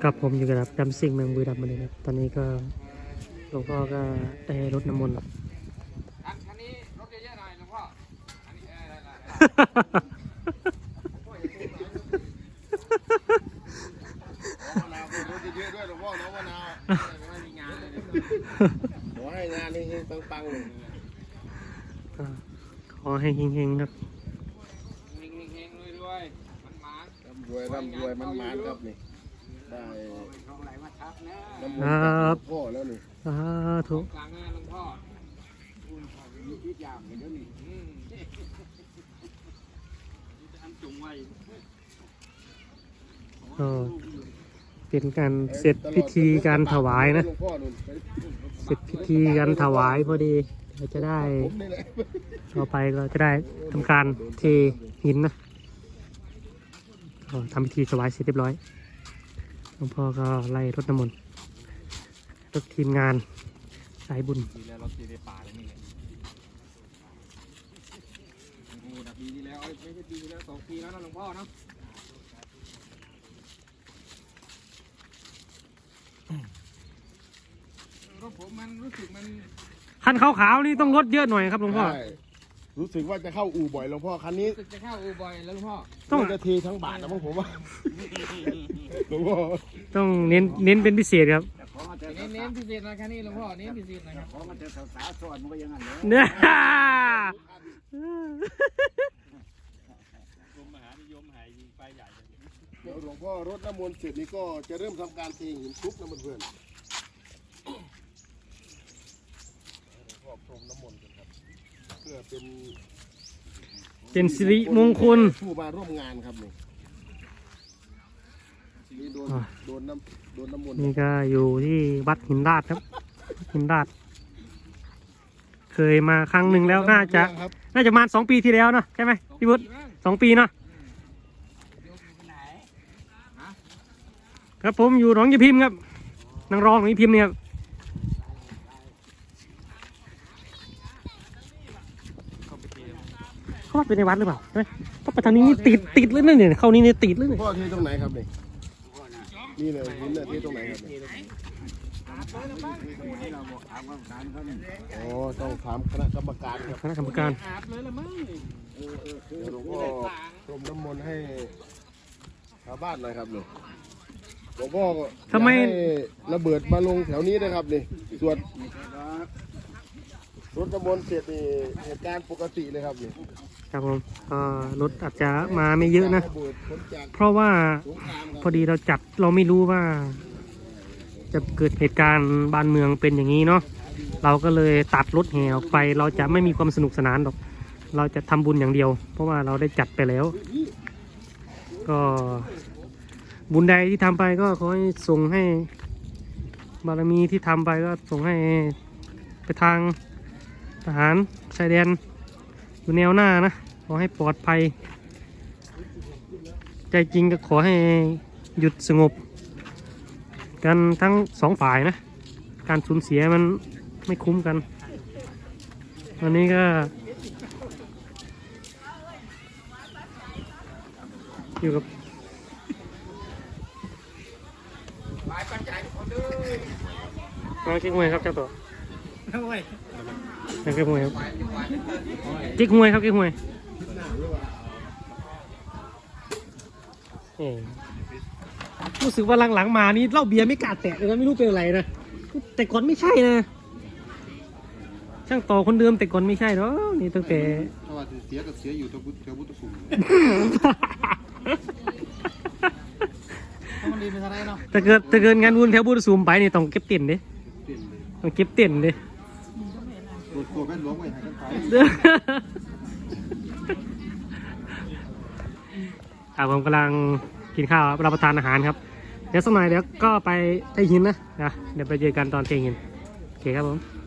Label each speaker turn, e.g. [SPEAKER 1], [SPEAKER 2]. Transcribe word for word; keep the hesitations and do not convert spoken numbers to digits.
[SPEAKER 1] กับผมอยู่กับดัมซิงเมืองบุรีรัมย์มาเลยครับตอนนี้ก็หลวงพ่อก็ได้รดน้ำมนต์
[SPEAKER 2] อันคันนี้รถเยอะๆหน่อยหลวงพ่ออันนี้เออได้มะนาวรถเยอะๆด้วยหลวงพ่อน้องมะนาวไม่มีงานเลยขอให้งานนี้ปังๆเลย
[SPEAKER 1] ขอให้เฮงๆครับ
[SPEAKER 2] เฮงๆรวยๆมันมาร่ำรวย
[SPEAKER 3] ร่ำรวยมันมาครับนี่ได้
[SPEAKER 2] เขาไหลมาทับนะ
[SPEAKER 3] น้ำมันพ่อแล้วนี่
[SPEAKER 1] สาธุ
[SPEAKER 2] กลางงานหลวงพ่อคุณพ่อมีพิษยามเห็นแล้วนี่อันจุงไว้
[SPEAKER 1] ก็เป็นการเสร็จพิธีการถวายนะเสร็จพิธีการถวายพอดีเราจะได้ต่อไปเราจะได้ทำการเทหินนะทำพิธีถวายเสร็จเรียบร้อยหลวงพ่อก็ไล่รดน้ำมนต์รถทีมงานสายบุญ
[SPEAKER 2] ดีแล้วรถตีในป่าเลยนี่โอ้โหดับปีที่แล้วไม่ใช่ปีที่แล้วสองปีแล้วนะหลวงพ่อเนาะรถผมมันรู้สึกมัน
[SPEAKER 1] คันขาวๆนี่ต้องรถเยอะหน่อยครับหลวงพ่อ
[SPEAKER 3] รู้สึกว่าจะเข้าอู่บ่อยหลวงพ่อคันนี้
[SPEAKER 2] รู้สึกจะเข้าอู่บ่อยแล้วหลวงพ่อ
[SPEAKER 3] ต้องจะเททั้งบาทนะผมว่าหลวงพ่อ
[SPEAKER 1] ต้องเน้นเน้นเป็นพิเศษครับ
[SPEAKER 2] เน้นเน้นพิเศษนะคันนี้หลวงพ่อเน้นพิเศษนะครับ
[SPEAKER 4] ขอมาเจอสาวๆสอนมันก็ยังไง
[SPEAKER 1] เนี่ย
[SPEAKER 2] มหานิยมหายยิงไฟใหญ่
[SPEAKER 3] เดี๋ยวหลวงพ่อรดน้ำมนต์เสร็จนี่ก็จะเริ่มทำการเทหินทุบน้ำมันเพื่อนหลวงพ่อพรมน้ำมนต์กันครับเพื่อเป็น
[SPEAKER 1] เป็นสิริมงคล
[SPEAKER 3] ผู้มาร่วมงานครับนี่นี่โดนโดนน้ำโดนน้ำมนต์
[SPEAKER 1] นี่ก็อยู่ที่วัดหินดาดครับหินดาดเคยมาครั้งหนึ่งแล้วน่าจะน่าจะมาสองปีที่แล้วเนาะใช่ไหมพี่บุตรสองปีเนาะครับผมอยู่หนองยายพิมพ์ครับนางรองหนองยายพิมพ์เนี่ยครับเขาว่าเป็นในวัดหรือเปล่าใช่ไหมก็ไปทางนี้ติดติดเลยเนี่ยเข้านี่เนี่ยติดเลยเนี่ย
[SPEAKER 3] พ่อเทตรงไหนครับนี่นี่เลยหินเนี่ยเทตรงไหนครับอ๋อต้องถามคณะกรรมการครับ
[SPEAKER 1] คณะกรรมการ
[SPEAKER 2] อาบเลยละมั้ง
[SPEAKER 3] เดี๋ยวหลวงพ่อพรมน้ำมนต์ให้ชาวบ้านหน่อยครับนี่หลวงพ่อ
[SPEAKER 1] ทำไม
[SPEAKER 3] ระเบิดมาลงแถวนี้นะครับนี่ส่วนรถน้ำมนต์เสร็จนี่เหตุการณ์ปกติเลยครับนี่
[SPEAKER 1] ครับผมก็รถอาจจะมาไม่เยอะนะเพราะว่าพอดีเราจัดเราไม่รู้ว่าจะเกิดเหตุการณ์บ้านเมืองเป็นอย่างนี้เนาะเราก็เลยตัดรถแห่ออกไปเราจะไม่มีความสนุกสนานหรอกเราจะทำบุญอย่างเดียวเพราะว่าเราได้จัดไปแล้วก็บุญใดที่ทำไปก็ขอให้ส่งให้บารมีที่ทำไปก็ส่งให้ไปทางทหารชายแดนอยู่แนวหน้านะขอให้ปลอดภัยใจจริงก็ขอให้หยุดสงบกันทั้งสองฝ่ายนะการสูญเสียมันไม่คุ้มกันวันนี้ก็อยู่กับน้องเจ๊กมวยครับเจ้าตัวน้องเจ๊กมวยครับเจ๊กมวยครับเจ๊กมวยรู้สึกว่าหลังๆมานี่เหล้าเบียร์ไม่กล้าแตะเลยนะไม่รู้เป็นอะไรนะแต่ก่อนไม่ใช่นะช่างต่อคนเดิมแต่ก่อนไม่ใช่หรอนี่ตั้งแต่
[SPEAKER 3] เพราะว่าเสียกับเสียอยู่ตัวพุทธพุทธภูมิ
[SPEAKER 1] ถ้าเกิดถ้าเกิดงานบุญแถวบุญสูมไปนี่ต้องเก็บเต็นท์ดิต้องเก็บเต็นท์ดิ
[SPEAKER 3] รถโคแม่หลวงไว้ให้กันไป
[SPEAKER 1] ครับผมกำลังกินข้าวรับประทานอาหารครับเดี๋ยวสักหน่อยเดี๋ยวก็ไปเทหินนะนะเดี๋ยวไปเจอกันตอนเทหินโอเคครับผม